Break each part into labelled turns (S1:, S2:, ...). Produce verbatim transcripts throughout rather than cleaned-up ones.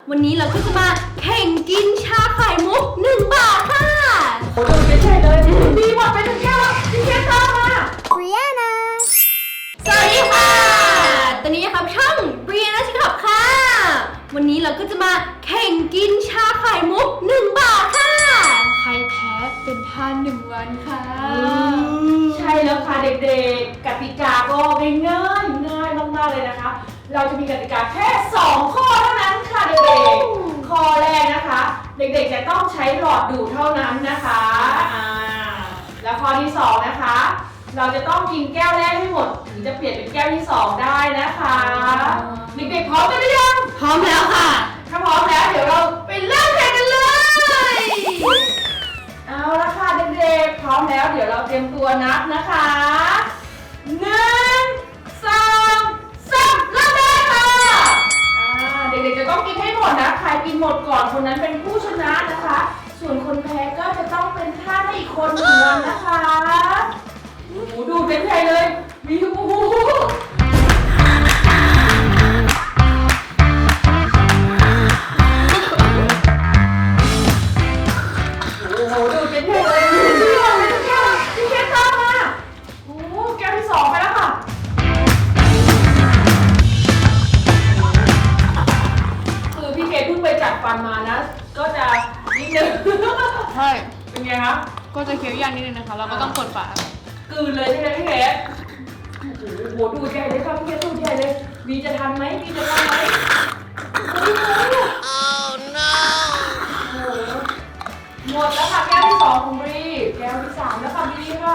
S1: วันนี้เราก็จะมาแข่งกินชาไข่มุกหนึ่งบาทค่ะ
S2: โอ้โหไม่ใช่เลยมีหมดไปทั้งแก้วพี่แก้วตามมา
S1: บริอานาสวัสดีค่ะตอนนี้นะครับช่องบริอานาชิคอบค่ะวันนี้เราก็จะมาแข่งกินชาไข่มุกหนึ่งบาทค่ะใครแพ้เป็นทานหนึ่งวันค่ะ
S2: ใช่แล้วค่ะเด็กๆกติกาก็ง่ายๆง่ายมากๆเลยนะคะเราจะมีกติกาแค่สองข้อเท่านั้นค่ะเด็กๆข้อแรกนะคะเด็กๆจะต้องใช้หลอดดูดเท่านั้นนะคะอ่าแล้วข้อที่สองนะคะเราจะต้องกินแก้วแรกให้หมดถึงจะเปลี่ยนเป็นแก้วที่สองได้นะคะเด็กๆพร้อมกันหรือยัง
S1: พร้อมแล้วค่ะ
S2: ถ้าพร้อมแล้วเดี๋ยวเราไปเริ่มแข่งกันเลยเอาละค่ะเด็กๆพร้อมแล้วเดี๋ยวเราเตรียมตัวนับนะคะหนึ่งสองสามเริ่มได้ค่ะเด็กๆจะต้องกินให้หมดนะใครกินหมดก่อนคนนั้นเป็นผู้ชนะนะคะส่วนคนแพ้ก็จะต้องเป็นท่าให้อีกคนหนึ่งวันนะคะโอ้โหดูเป็นใหญ่เลยมีโอ้โหโอ้โหดูเป็นใหญ่เลยพี่บอลไม่ต้องแก้วพี่แก้วตามมาโอ้โหแก้วที่สองไปแล้วค่ะคือพี่เคเพิ่งไปจัดฟันมานะก็จะนิดนึง
S3: ใช่
S2: เป็นไงคะ
S3: ก็จะเคี้ยวยากนิดนึงนะคะเราก็ต้องกดฝาก
S2: ลืนเลยใช่ไหมพี่เคโอ้โหดูใหญ่เลยครับพี่เคดูใหญ่เลยมีจะทันไหมมีจะทันไหมโอ้ no หมดแล้วค่ะแก้วที่สองของบรีแก้วที่สามแล้วค่ะบรีค่ะ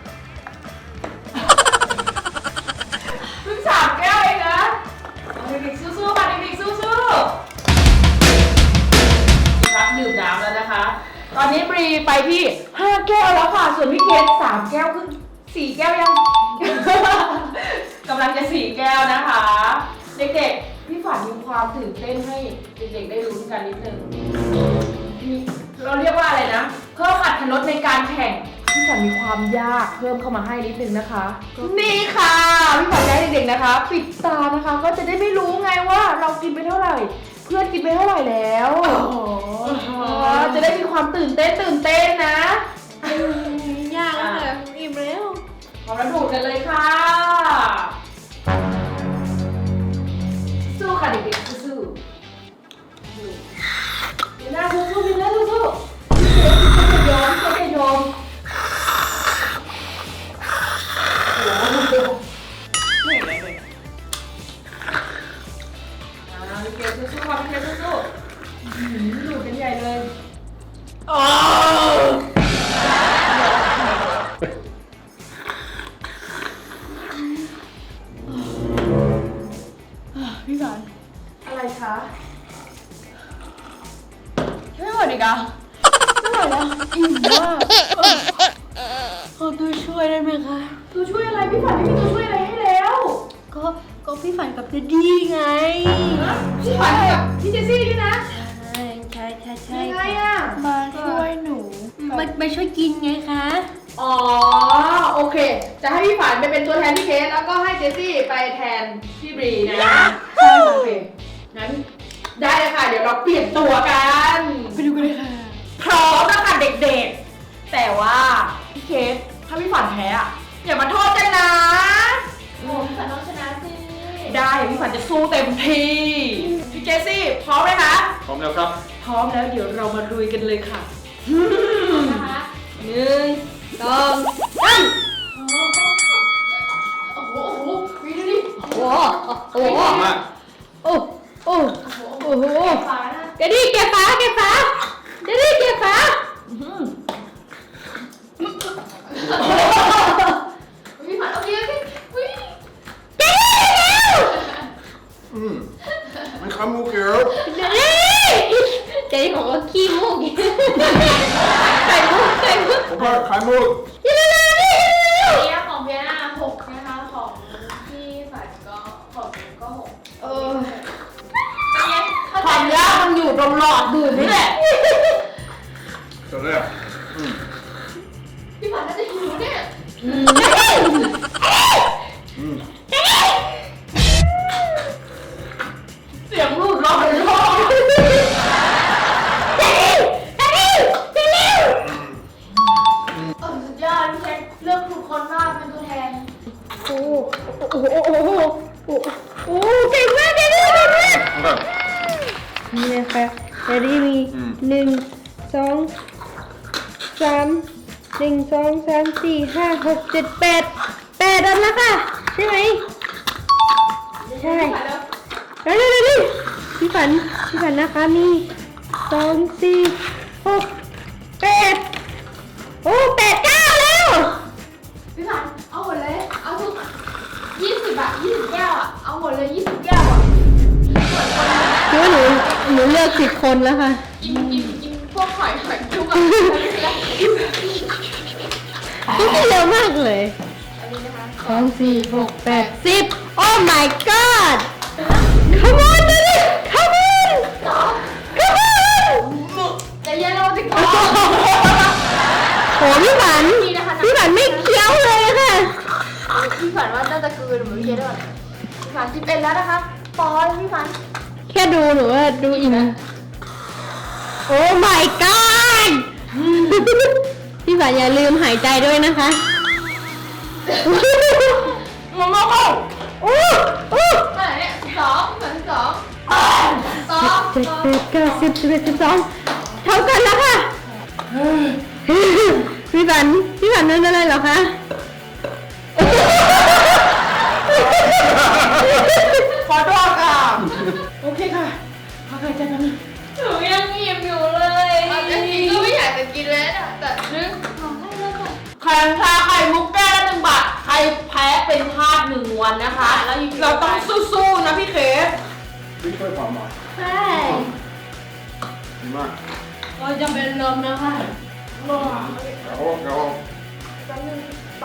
S2: เพิ่งสามแก้วเองนะเด็กๆสู้ๆค่ะเด็กๆสู้ๆรับดื่มน้ำแล้วนะคะตอนนี้บรีไปที่ห้าแก้วแล้วค่ะส่วนพี่เคสสามแก้วขึ้นสี่แก้วยัง กำลังจะสี่แก้วนะคะเด็กๆพี่ฝันมีความตื่นเต้นให้เด็กๆได้รู้กันนิดนึงเราเรียกว่าอะไรนะเพิ่มอรรถรสในการแข่งพี่ฝันมีความยากเพิ่มเข้ามาให้นิดนึงนะคะนี่ค่ะพี่ฝันให้เด็กๆนะคะปิดตานะคะก็จะได้ไม่รู้ไงว่าเรากินไปเท่าไหร่เพื่อนกินไปเท่าไหร่แล้วจะได้มีความตื่นเต้นตื่นเต้นนะ
S1: ยากแล้วค่ะอิ่มแล้ว
S2: พร้อมแล้วดูดกันเลยค่ะสู้ค่ะเด็กๆสู้ๆเดี๋ยวหน้าสู้ๆพี่นะสู้ๆพี่จะยอมพี่จะยอมโอ้โหไม่เห็นอะไรเลยอ่าพี่เกดสู้ๆค่ะพี่เกดสู้ๆดูดกันใหญ่เลยโอ้
S3: พี่ฝัน
S2: อะไรคะ
S3: ไม่ไหวดิกะไม่ไหวแล้วอิ่มมากขอตัวช่วยได้ไหมคะ
S2: ตัวช่วยอะไรพี่ฝันไม่มีตัวช่วยอะไรให้แล้ว
S1: ก็ก็พี่ฝันกับเจดี้ไง
S2: พี่ฝันกับพี่เจซี่นี่นะ
S1: ใช่ใช่ใช่ใช่
S2: ยังไงอะ
S3: มาช่วยหนู
S1: มามาช่วยกินไงคะ
S2: อ๋อโอเคจะให้พี่ฝันไปเป็นตัวแทนพี่เคสแล้วก็ให้เจซี่ไปแทนพี่บรีนะใช่โอเคงั้นได้เลยค่ะเดี๋ยวเราเปลี่ยนตัวกัน
S3: ไปดูกันเลยค่ะ
S2: พร้อมแล้วค่ะเด็กๆแต่ว่าพี่เคสถ้าพี่ฝันแพ้อะอย่ามาโทษกันนะ
S1: โอ้พี่ฝันต้องชนะสิ
S2: ได้พี่ฝันจะสู้เต็มที่พี่เจซี่พร้อมไหมคะ
S4: พร้อมแล้วครับ
S2: พร้อมแล้วเดี๋ยวเรามาลุยกันเลยค่ะ
S1: นะคะ
S2: หนึ่งสองสามโอ้โหโอ้โหวีดูดิ
S1: โอ้โหโอ้โห
S4: มาก
S1: โอ้โอ้โอ้โหเดี๋ยวดิเก็บฝาเก็บฝาเดี๋ยวดิเก็บฝา
S2: พี่ฝันเอาเยอะพี่วิ่ง
S1: เดี๋ยวดิเร็ว
S4: อืมมันขมูกเหรอ
S1: เดี๋ยวดิเจ๊บอกว่าขี้มูกไข่มุกไข่มุก
S4: ผมว่าขายมูก
S1: เร็วเร็วดิ
S3: เนี้ยของเพียน่าหกนะคะของพี่ฝันก็ของก็หก
S2: เออความยากมันอยู่ตรงหลอดดูดนี่แหละ
S4: จบเลยอ่ะอืม
S3: พี่ฝันน่าจะหิวเนี่ย
S4: อืม
S2: เสียงรูดร้อนร้อน
S1: นี่นะคะเดี๋ยวนี้มี
S4: อืม
S1: หนึ่งสองสามหนึ่งสองสามสี่ห้าหกเจ็ดแปดแปดอันแล้วค่ะใช่ไหมใช่เร็วเร็วเร็วเร็วพี่ฝันพี่ฝันนะคะมีสองสี่หกแปดโอ้แปดเก้าแล้ว
S3: พี่ฝันเอาหมดเลยเอาทุกยี่สิบอะยี่สิบแก้วอะเอาหมดเลยยี่สิบแก้วอะ
S1: คือว่าหนูหนูเลือกสิบคนแล้วค่ะ
S3: กินกินกินพวกหอยหอยจุกอะ
S1: นี่เร็วมากเลย
S3: อันนี้นะคะ
S1: สองสี่หกแปดสิบโอ้ my god come on ดูดิ come on come on
S3: แต่เย็นเราจะกิน
S1: โหพี่ฝัน
S3: นี่นะคะ
S1: พี่ฝันไม่เคี้ยวเลยค่ะ
S3: พี่ฝันว่าน่าจะเกินเหมือนพี่เคสด้วยพี่ฝันสิบเอ็ดแล้วนะคะปอนพี่ฝัน
S1: แค่ดูหนูว่าดูอิ่มโอ้ my god พี่ฝันอย่าลืมหายใจด้วยนะคะ
S2: มามาเข้า
S1: โอ้โอ้
S3: เท่าไหร่เนี่ยสิบสองเหมือนสิบสองสอง
S1: เจ็ดแปดเก้าสิบสิบเอ็ดสิบสองเท่ากันแล้วค่ะ พี่ฝันพี่ฝันนั่นอะไรเหรอคะ
S2: ขอโทษค่ะ โอเคค่ะพักหายใจแป๊บนึง
S3: หนูยังอิ่มอยู่เลยจริงๆก็ไม่อยากจะกินแล้วนะแต่นึกขอให้แล้วค่ะ
S2: แข่งชาไข่มุกแก้วละหนึ่งบาท ใครแพ้เป็นทาสหนึ่งวันนะคะ เราต้องสู้ๆนะพี่เคส
S4: พี่ช่วยความหน่อย
S1: ใช่
S4: ดีมาก
S1: เราจะเป็นลมนะคะ
S4: เดี๋ยวเดี๋ยว
S3: แป๊บนึงไป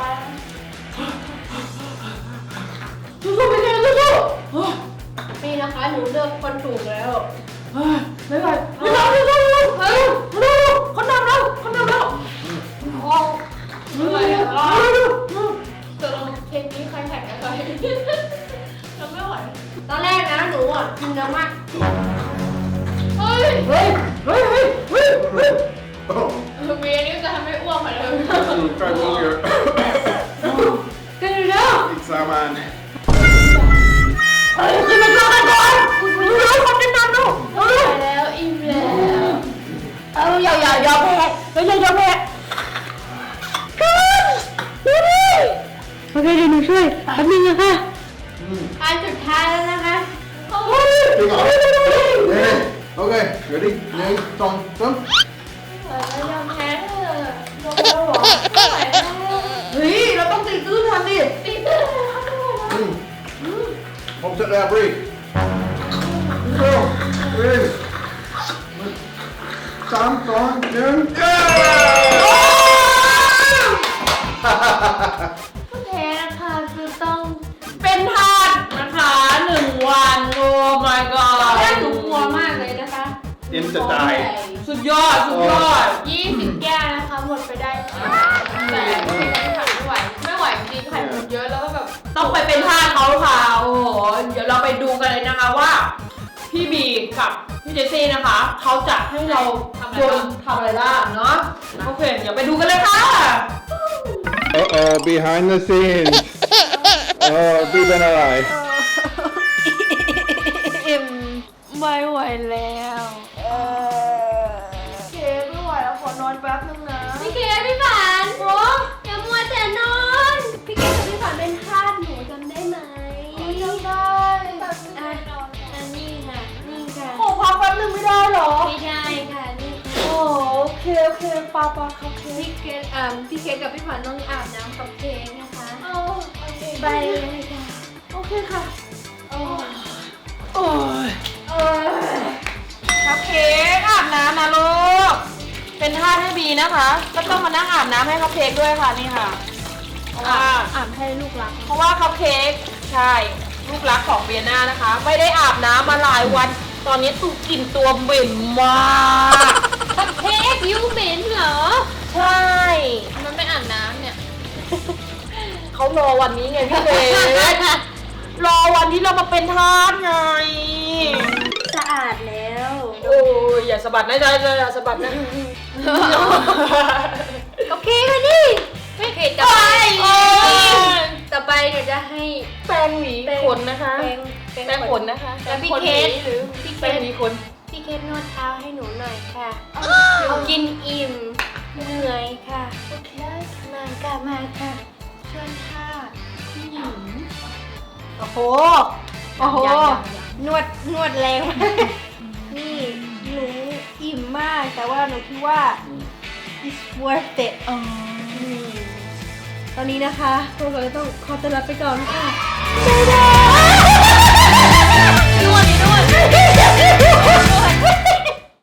S2: สู้ๆพี่เคสสู้ๆ
S1: นี่นะคะหนูเลือกคนถูกแล้ว
S2: เฮ้ยไม่ไหวไม่ไหวไม่ไหวไม่ไหวเฮ้ยเร็วๆคนนำแล้วคนนำแล้ว
S3: ไม่ไหวแล้ว
S2: เร็ว
S3: ตกลงเทปนี้ใครแข่งกับใครเราไม่ไหว
S1: ตอนแรกนะหนูอ่ะกินเยอะมาก
S3: เฮ้ย
S2: ๆเฮ้ยเฮ้ยเฮ้ยเฮ้ยเฮ้ย
S4: โอ้
S3: เมย์นี่จะทำให้อ้วกเหมือนเดิม
S4: ใกล้มุกเยอะ
S1: กินเยอะ
S4: อีกสามอัน
S2: เฮ้ยกินมันก่อนก่อนเร็วๆคนจะนำแล้วเร็ว
S3: ไปแล้วอิ่มแล้ว
S2: ๆเอาอย่าอย่าอย่าแพ้เฮ้ยอย่าอย่าแพ้
S1: โอเคเดี๋ยวหนูช่วยแป๊บนึงนะคะ
S4: อืม
S1: อันสุดท้ายแล้วนะคะ
S4: จริงเหรอเฮ้ยโอเคเดี๋ยวดิหนึ่งสองสาม
S3: แล้วยอมแพ้เถอะยอมแล้วเหรอไม่ไหวแล้ว
S2: เฮ้ยเราต้องตีตื้นทันดิ
S3: ตีตื้นแล้วไม่ไหวแล้ว
S4: อืมผมเสร็จแล้วบรีโอ้บรีสามสองหนึ่งเย้
S3: แพ้นะคะคือต้อง
S2: เป็นทาสนะคะหนึ่งวันโอ้ my
S1: ตอนแรก
S2: god
S1: หนูกลัวมากเลยนะคะ
S4: อินจะตาย
S2: สุดยอดสุดยอด
S3: ยี่สิบแก้วนะคะหมดไปได้แต่ไม่ไหวไม่ไหวจริงไข่หมดเยอะแล้วก็แบบ
S2: ต้องไปเป็นทาสเขาค่ะโอ้โหเดี๋ยวเราไปดูกันเลยนะคะว่า พี่บีกับพี่เจสซี่นะคะเขาจะให้เราโยนทำอะไรบ้างเนาะโอเคเดี๋ยวไปดูกันเลยค่ะ
S4: Uh-oh, behind the scenes. Oh, พี่เป็นอะไร
S3: อิ่มไม่ไหวแล้วเคไม่ไหวแล้วขอนอนแป๊บนึงนะ
S1: พี่เคพี่ฝันโอ้อย่ามัวแต่นอน พี่เคกับพี่ฝันเป็นทาสหนูจำได้ไหม
S3: จำได้แบบไม่ได้นอน
S1: อันนี้ค่ะ นี่ค่ะ
S2: ขอพักแป๊บนึงไม่ได้เหรอ
S1: ไม่ได้ค่ะ นี่ค่ะ
S2: โอ้โอเคโอเคปาปาครับเค
S1: พี่เคเอ่อพี่เคกับพี่ฝันต้องอาบน้ำกับเคนะคะ
S3: เอาโอเค
S1: ไปเลยค่ะ
S3: โอเคค่ะ
S2: โอ้ยครับเค้กอาบน้ำนะลูก เป็นท่าสให้บีนะคะ ก็ต้องมานั่งอาบน้ำให้คัพเค้กด้วยค่ะนี่ค่ะ เพราะว่า
S3: อ่านให้ลูกรัก
S2: เพราะว่าคัพเค้กใช่ลูกรักของเบียน่านะคะ ไม่ได้อาบน้ำมาหลายวัน ตอนนี้ตูกลิ่นตัวเหม็นมาก
S1: เค้กยูเหม็นเหรอ
S2: ใช่
S3: มันไม่อ่านน้ำเนี่ย
S2: เขารอวันนี้ไงพี่เบสรอวันที่เรามาเป็นทาสไง
S1: สะอาดแล้ว
S2: โอ้ยอย่าสะบัดนะจ๊ะอย่าสะบัดนะ
S1: กับเค้กเลยนี่
S3: ไม่เคยจะไป
S2: โอ้ย
S1: ต่อไปเดี๋ยวจะให้
S2: แปรงหวีขนนะคะ
S1: แป้ง
S2: แปรงขนนะคะ
S1: แล้วพี่
S2: แปรง
S1: เคส
S2: หวีหรือ
S1: พี่เค
S2: แปรง
S1: ส
S2: หวีขน
S1: พี่เคสนวดเท้าให้หนูหน่อยค่ะหนูกินอิ่มเหนื่อยค่ะ
S3: โอเคได้ค่ะ
S1: มาค่ะมาค่ะ
S3: เชิญค่ะผู้หญิง
S1: โอ้โห โอ้โห
S2: ยังยังยัง
S1: นวด นวดแรงมากนี่หนูอิ่มมาก แต่ว่าหนูคิดว่า it's worth it
S3: อ๋อ
S1: อืมตอนนี้นะคะพวกเราก็ต้องขอตัวลาไปก่อนค่ะ
S3: นวดนวด